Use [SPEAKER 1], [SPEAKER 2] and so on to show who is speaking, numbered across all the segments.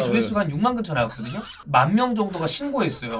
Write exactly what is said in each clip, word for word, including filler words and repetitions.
[SPEAKER 1] 조회수가 한 육만 근처 나왔거든요. 만 명 정도가 신고했어요.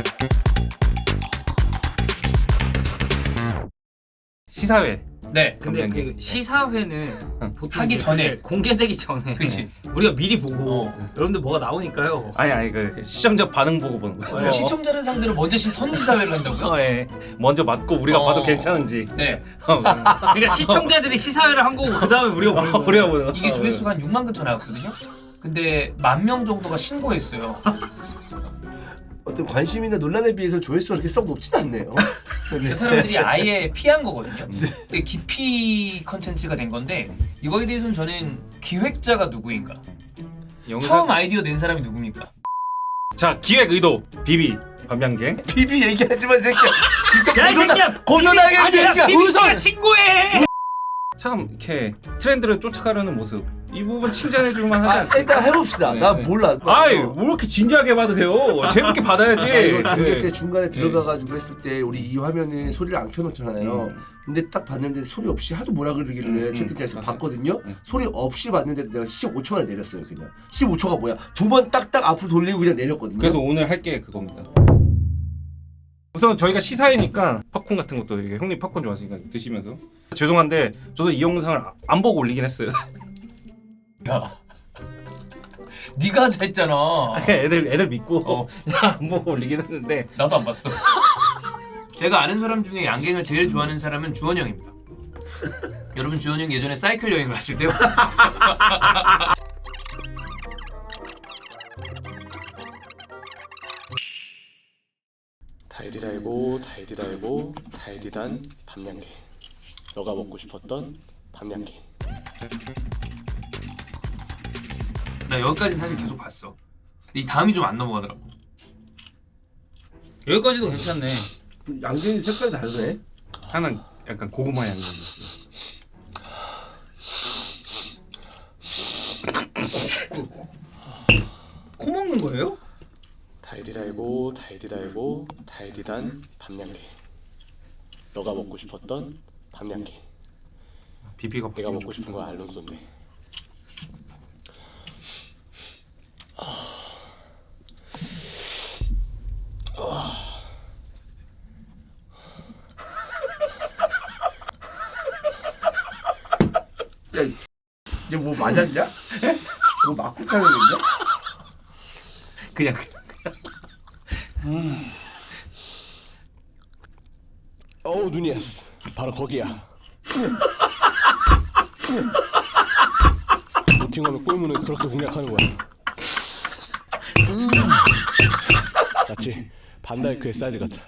[SPEAKER 2] 시사회.
[SPEAKER 1] 네.
[SPEAKER 3] 근데
[SPEAKER 2] 감독님.
[SPEAKER 3] 그 시사회는 보통
[SPEAKER 1] 하기
[SPEAKER 3] 이제
[SPEAKER 1] 전에.
[SPEAKER 3] 그게 공개되기 전에
[SPEAKER 1] 그치.
[SPEAKER 3] 우리가 미리 보고
[SPEAKER 1] 어.
[SPEAKER 3] 여러분들 뭐가 나오니까요.
[SPEAKER 2] 아니 아니 그 시청자 반응 보고 보는 거예요.
[SPEAKER 1] 어. 시청자를 상대로 먼저 시 선지사회를 한다고요?
[SPEAKER 2] 어, 예. 먼저 맞고 우리가
[SPEAKER 1] 어.
[SPEAKER 2] 봐도 괜찮은지.
[SPEAKER 1] 네.
[SPEAKER 2] 어,
[SPEAKER 3] 그러니까 시청자들이 시사회를 한 거고 그 다음에 우리가 보는 거예요.
[SPEAKER 2] 우리가 보는 거.
[SPEAKER 1] 이게 조회수가 한 육만 근처 나왔거든요. 근데 만 명 정도가 신고했어요.
[SPEAKER 4] 어떤 관심이나 논란에 비해서 조회수가 그렇게 썩 높진 않네요.
[SPEAKER 1] 그 사람들이 아예 피한 거거든요. 근데 기피 컨텐츠가 된 건데 이거에 대해서는 저는 기획자가 누구인가?
[SPEAKER 2] 영상...
[SPEAKER 1] 처음 아이디어 낸 사람이 누굽니까?
[SPEAKER 2] 자 기획 의도 비비 반면갱.
[SPEAKER 4] 비비 얘기하지만 새끼야. 진짜
[SPEAKER 3] 야 이 새끼야!
[SPEAKER 4] 고소당했어
[SPEAKER 3] 아니야
[SPEAKER 4] 새끼야.
[SPEAKER 3] 비비씨가 신고해!
[SPEAKER 2] 참 이렇게 트렌드를 쫓아가려는 모습. 이 부분 칭찬해줄만 하지
[SPEAKER 4] 아,
[SPEAKER 2] 않습니까?
[SPEAKER 4] 일단 해봅시다.
[SPEAKER 2] 네,
[SPEAKER 4] 나
[SPEAKER 2] 네.
[SPEAKER 4] 몰라.
[SPEAKER 2] 아이 뭐 이렇게 진지하게 받으세요. 재밌게 받아야지.
[SPEAKER 4] 아, 이거 중계
[SPEAKER 2] 네.
[SPEAKER 4] 때 중간에
[SPEAKER 2] 네.
[SPEAKER 4] 들어가가지고 했을 때 우리 이 화면에 소리를 안 켜놓잖아요.
[SPEAKER 2] 음.
[SPEAKER 4] 근데 딱 봤는데 소리 없이 하도 뭐라 그러길래
[SPEAKER 2] 음, 음,
[SPEAKER 4] 채팅창에서
[SPEAKER 2] 맞아요.
[SPEAKER 4] 봤거든요.
[SPEAKER 2] 음.
[SPEAKER 4] 소리 없이 봤는데 내가 십오 초만에 내렸어요 그냥. 십오 초가 뭐야? 두 번 딱딱 앞으로 돌리고 그냥 내렸거든요.
[SPEAKER 2] 그래서 오늘 할 게 그겁니다. 우선 저희가 시사회니까 팝콘 같은 것도 이게 형님 팝콘 좋아하시니까 드시면서 죄송한데 저도 이 영상을 안 보고 올리긴 했어요.
[SPEAKER 1] 야, 네가 하자 했잖아.
[SPEAKER 2] 애들 애들 믿고
[SPEAKER 1] 어.
[SPEAKER 2] 안 보고 올리긴 했는데
[SPEAKER 1] 나도 안 봤어. 제가 아는 사람 중에 양갱을 제일 좋아하는 사람은 주원 형입니다. 여러분 주원 형 예전에 사이클 여행을 하실 때요.
[SPEAKER 5] 달디달고 달디달고 달디단 밤양갱 너가 먹고 싶었던 밤양갱
[SPEAKER 1] 나 여기까지는 사실 계속 봤어. 이 다음이 좀 안 넘어가더라고.
[SPEAKER 3] 여기까지도 괜찮네.
[SPEAKER 4] 양갱이 색깔이 다르네.
[SPEAKER 2] 하나는 약간 고구마 향이
[SPEAKER 3] 코 먹는 거예요?
[SPEAKER 5] 달디달고 달디달고 달디단 밤양갱 너가 먹고 싶었던 밤양갱
[SPEAKER 2] 비비가
[SPEAKER 5] 내가 먹고 싶은 거 알론소인데
[SPEAKER 4] 야, 이제 뭐 맞았냐? 뭐 맞고 타는 거냐?
[SPEAKER 2] 그냥
[SPEAKER 5] 어우 누니에스 바로 거기야 노팅엄의 골문을 그렇게 공략하는 거야 음. 마치 반다이크의 사이즈 같아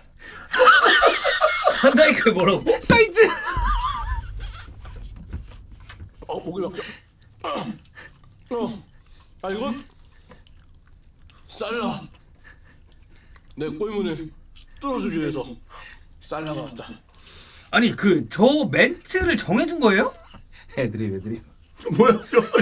[SPEAKER 3] 한다이크 뭐라고?
[SPEAKER 2] 사이즈.
[SPEAKER 5] 어 목이 막혀 어. 아 이건 살라 내 꼴문을 뚫어주기 위해서 살라가 왔다
[SPEAKER 3] 아니 그 저 멘트를 정해준 거예요?
[SPEAKER 2] 애들이 애들이
[SPEAKER 4] 뭐야?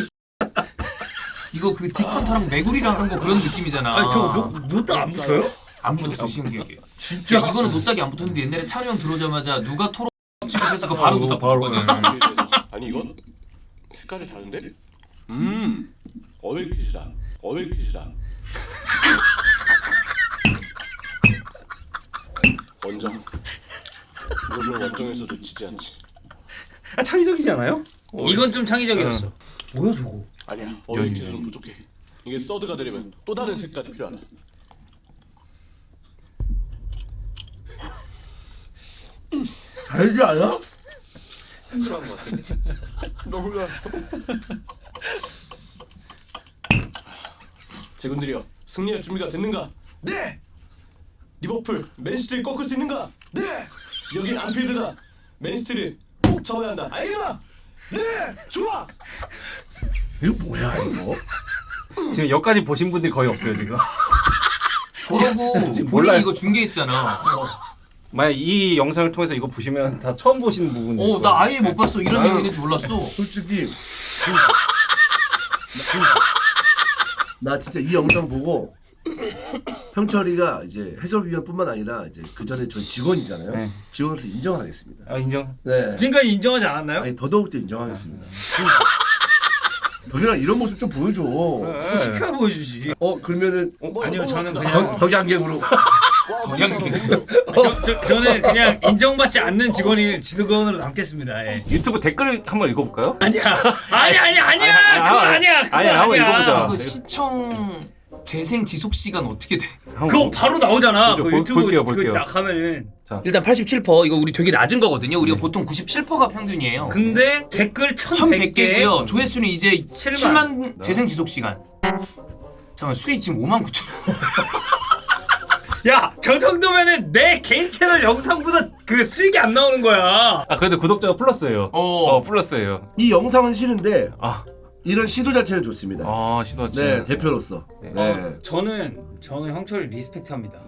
[SPEAKER 1] 이거 그 디컨터랑 메구리랑 한 거 그런 느낌이잖아.
[SPEAKER 3] 아니 저 노트 안 붙어요?
[SPEAKER 1] 안 붙었어 신기하게. 진짜 이거는 노딱이 안 붙었는데 옛날에 찬우 형 들어오자마자 누가 토론 취급해서 그 바로 붙었거든.
[SPEAKER 5] 아니 이건 색깔이 다른데? 음 어웨이핏이다 어웨이핏이다 원정 이거는 원정에서도 지지 않지
[SPEAKER 2] 아 창의적이지 않아요?
[SPEAKER 3] 이건 좀 창의적이었어. 뭐야 저거?
[SPEAKER 5] 아니야 어웨이핏은 부족해 이게 서드가 되려면 또 다른 색깔이 필요하다
[SPEAKER 4] 알지 않아?
[SPEAKER 2] 힘들어한 것 같은데.
[SPEAKER 5] 너무 좋아 제군들이여 승리할 준비가 됐는가? 네! 리버풀 맨시티를 꺾을 수 있는가? 네! 여긴 안필드다 맨시티를 꼭 잡아야 한다 알겠나? 네! 좋아!
[SPEAKER 4] 이거 뭐야 이거?
[SPEAKER 2] 지금 여기까지 보신 분들이 거의 없어요 지금.
[SPEAKER 1] 저러고
[SPEAKER 2] 지금
[SPEAKER 1] 본인이
[SPEAKER 2] 몰라요.
[SPEAKER 1] 이거 중계했잖아.
[SPEAKER 2] 만약 이 영상을 통해서 이거 보시면 다 처음 보시는 부분이에요.
[SPEAKER 1] 어, 나 아예 못 봤어. 이런
[SPEAKER 4] 나는-
[SPEAKER 1] 내용이 있는지 몰랐어.
[SPEAKER 4] 솔직히 나 진짜 이 영상 보고 형철이가 이제 해설위원뿐만 아니라 이제 그 전에 저희 직원이잖아요.
[SPEAKER 2] 네.
[SPEAKER 4] 직원으로서 인정하겠습니다.
[SPEAKER 2] 아 인정.
[SPEAKER 4] 네.
[SPEAKER 3] 지금까지 인정하지 않았나요?
[SPEAKER 4] 아니 더더욱 더 인정하겠습니다. 덕이랑 이런 모습 좀 보여줘.
[SPEAKER 2] 네.
[SPEAKER 3] 시켜 보여주지.
[SPEAKER 4] 어 그러면은
[SPEAKER 3] 아니요 저는 그냥
[SPEAKER 4] 덕 덕양갱으로.
[SPEAKER 1] 덕양갱.
[SPEAKER 3] 저, 저, 저는 그냥 인정받지 않는 직원이 직원으로 남겠습니다. 예.
[SPEAKER 2] 유튜브 댓글 한번 읽어볼까요?
[SPEAKER 3] 아니야 아니 아니 아니야
[SPEAKER 2] 아,
[SPEAKER 3] 그거
[SPEAKER 2] 아,
[SPEAKER 3] 아니야 그거
[SPEAKER 2] 아니야, 한번 읽어보자.
[SPEAKER 1] 이거 시청 재생 지속 시간 어떻게 돼?
[SPEAKER 3] 그거 바로 나오잖아.
[SPEAKER 2] 보죠.
[SPEAKER 3] 그
[SPEAKER 2] 볼-
[SPEAKER 3] 유튜브
[SPEAKER 2] 볼게요,
[SPEAKER 3] 그거
[SPEAKER 2] 볼게요.
[SPEAKER 3] 딱 하면은.
[SPEAKER 1] 일단 팔십칠 퍼센트 이거 우리 되게 낮은 거거든요. 우리가 보통 구십칠 퍼센트가 평균이에요.
[SPEAKER 3] 근데 댓글
[SPEAKER 1] 천백
[SPEAKER 3] 천백 개.
[SPEAKER 1] 개고요. 조회수는 이제
[SPEAKER 3] 칠만.
[SPEAKER 1] 칠만 재생 지속 시간. 잠깐 수익 지금 오만 구천.
[SPEAKER 3] 야, 저 정도면은 내 개인 채널 영상보다 그 수익이 안 나오는 거야.
[SPEAKER 2] 아 그래도 구독자가 플러스예요.
[SPEAKER 1] 어.
[SPEAKER 2] 어 플러스예요.
[SPEAKER 4] 이 영상은 싫은데
[SPEAKER 2] 아,
[SPEAKER 4] 이런 시도 자체는 좋습니다.
[SPEAKER 2] 아 시도
[SPEAKER 4] 네 대표로서.
[SPEAKER 2] 네.
[SPEAKER 4] 네.
[SPEAKER 3] 어, 저는 저는 형철이 리스펙트합니다.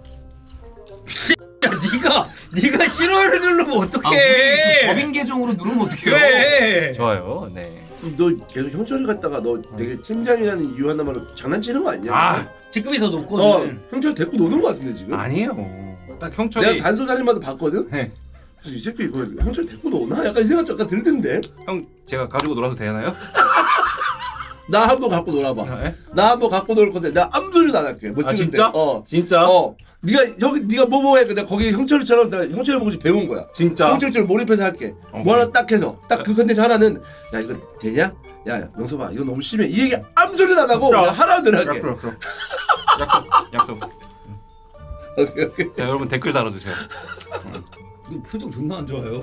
[SPEAKER 3] 야, 네가 네가 싫어를 누르면
[SPEAKER 1] 아, 우리 그
[SPEAKER 3] 어떡해?
[SPEAKER 1] 법인 계정으로 누르면 어떡해요?
[SPEAKER 3] 왜?
[SPEAKER 2] 좋아요. 네.
[SPEAKER 4] 너 계속 형철이 갔다가 너 되게 팀장이라는 이유 하나만으로 장난치는 거 아니야?
[SPEAKER 2] 아
[SPEAKER 3] 직급이 더
[SPEAKER 4] 어
[SPEAKER 3] 높거든.
[SPEAKER 4] 형철 데리고 노는 거 같은데 지금?
[SPEAKER 2] 아니에요. 딱 형철이
[SPEAKER 4] 내가 단소살인마도 봤거든?
[SPEAKER 2] 네.
[SPEAKER 4] 그래서 이 새끼 이거 형철 데리고 노나? 약간 이 생각 잠깐 들던데?
[SPEAKER 2] 형 제가 가지고 놀아도 되나요?
[SPEAKER 4] 나 한 번 갖고 놀아봐.
[SPEAKER 2] 네?
[SPEAKER 4] 나 한 번 갖고 놀 건데 나 아무 소리도 안 할게. 뭐
[SPEAKER 2] 아,
[SPEAKER 4] 찍을
[SPEAKER 2] 진짜?
[SPEAKER 4] 때. 어.
[SPEAKER 2] 진짜?
[SPEAKER 4] 어. 네가 형 네가 뭐뭐 해. 내가 거기 형철처럼 내가 형철 보고 배운 거야.
[SPEAKER 2] 진짜?
[SPEAKER 4] 형철처럼 몰입해서 할게.
[SPEAKER 2] 어.
[SPEAKER 4] 뭐 하나 딱 해서 딱 그 컨텐츠 하나는 야 이거 되냐? 야 명섭아 이거 너무 심해. 이 얘기 아무 소리도 안 하고
[SPEAKER 2] 진짜?
[SPEAKER 4] 그냥 하나만 할게.
[SPEAKER 2] 그럼 그럼. 약속 약속.
[SPEAKER 4] 오케이 오케이.
[SPEAKER 2] 자 여러분 댓글 달아주세요.
[SPEAKER 3] 이거 표정 존나 안 좋아요.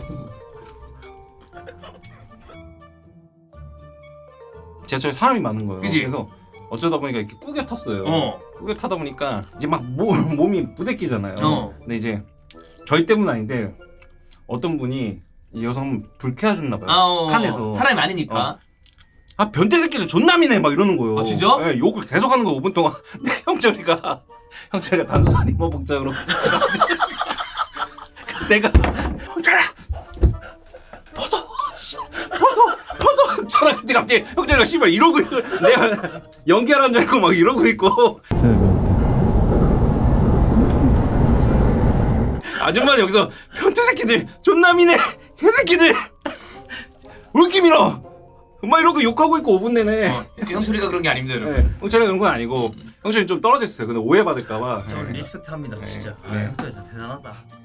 [SPEAKER 2] 지하철에 사람이 많은 거예요.
[SPEAKER 1] 그지?
[SPEAKER 2] 그래서 어쩌다 보니까 이렇게 꾸겨 탔어요.
[SPEAKER 1] 어.
[SPEAKER 2] 꾸겨 타다 보니까 이제 막 모, 몸이 부대끼잖아요.
[SPEAKER 1] 어.
[SPEAKER 2] 근데 이제 저희 때문 아닌데 어떤 분이 이 여성 불쾌하셨나 봐요.
[SPEAKER 1] 아, 어.
[SPEAKER 2] 칸에서.
[SPEAKER 1] 사람이 많으니까.
[SPEAKER 2] 어. 아 변태 새끼들 존남이네 막 이러는 거예요.
[SPEAKER 1] 아, 진짜?
[SPEAKER 2] 네, 욕을 계속 하는 거 오 분 동안. 근데 형철이가 형철이가 단수살인 뭐 복장으로 내가 형철아 벗어 씨, 벗어 벗어 형철아 근데 갑자기 형철이가 씨발 이러고 있고 내가 연기하라는 줄 알고 막 이러고 있고 아줌마는 여기서 변태 새끼들 존남이네 개새끼들 울기 밀어 막 이러고 욕하고 있고 오 분 내내.
[SPEAKER 1] 어, 형철이가 그런 게 아닙니다, 여러분.
[SPEAKER 2] 네, 형철이 그런 건 아니고 형철이 좀 떨어졌어요. 근데 오해받을까봐.
[SPEAKER 3] 저 리스펙트합니다 진짜.
[SPEAKER 2] 네.
[SPEAKER 3] 아, 형철 진짜 대단하다.